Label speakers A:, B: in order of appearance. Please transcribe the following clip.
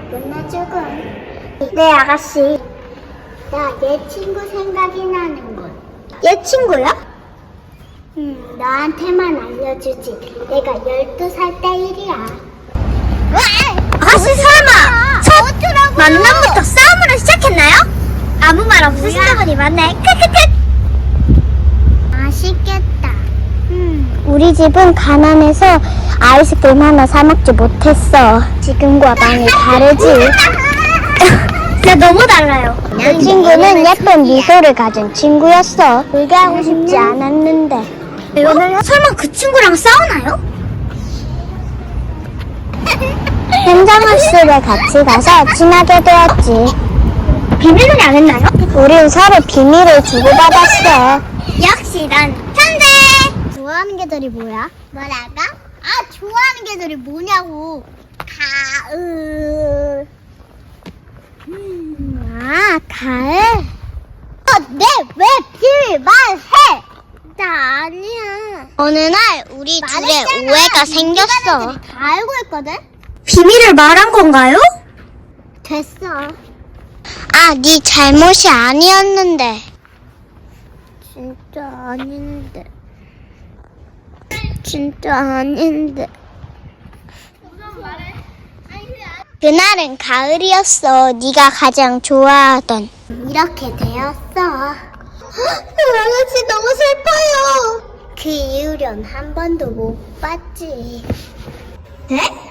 A: 나쁘나 조금. 네, 아가씨. 나 얘 친구 생각이 나는군. 얘 친구야? 너한테만 알려주지. 내가 12살 때 일이야.
B: 아가씨 설마 첫 만남부터 싸움으로 시작했나요? 아무 말 없으시다 보니 맞네. 크크크.
A: 맛있겠다.
B: 우리 집은 가난해서 아이스크림 하나 사 먹지 못했어. 지금과 많이 다르지. 나 너무 달라요. 그 친구는 예쁜 미소를 가진 친구였어. 불교하고 싶지 않았는데. 설마 그 친구랑 싸우나요? 현장학습에 같이 가서 친하게 되었지. 비밀놀이 안 했나요? 우린 서로 비밀을 주고받았어. 역시 난 천재!
A: 좋아하는 개들이 뭐야? 뭐라고? 아, 좋아하는 개들이 뭐냐고. 가을. 가을? 왜 비밀 말해? 나 아니야.
B: 어느 날 우리 둘의 오해가 생겼어.
A: 다 알고 있거든?
B: 비밀을 말한 건가요?
A: 됐어.
B: 아, 네 잘못이 아니었는데.
A: 진짜 아닌데. 진짜 아닌데.
B: 그날은 가을이었어. 네가 가장 좋아하던.
A: 이렇게 되었어. 아가씨 너무 슬퍼요. 그 이후론 한 번도 못 봤지.
B: 네?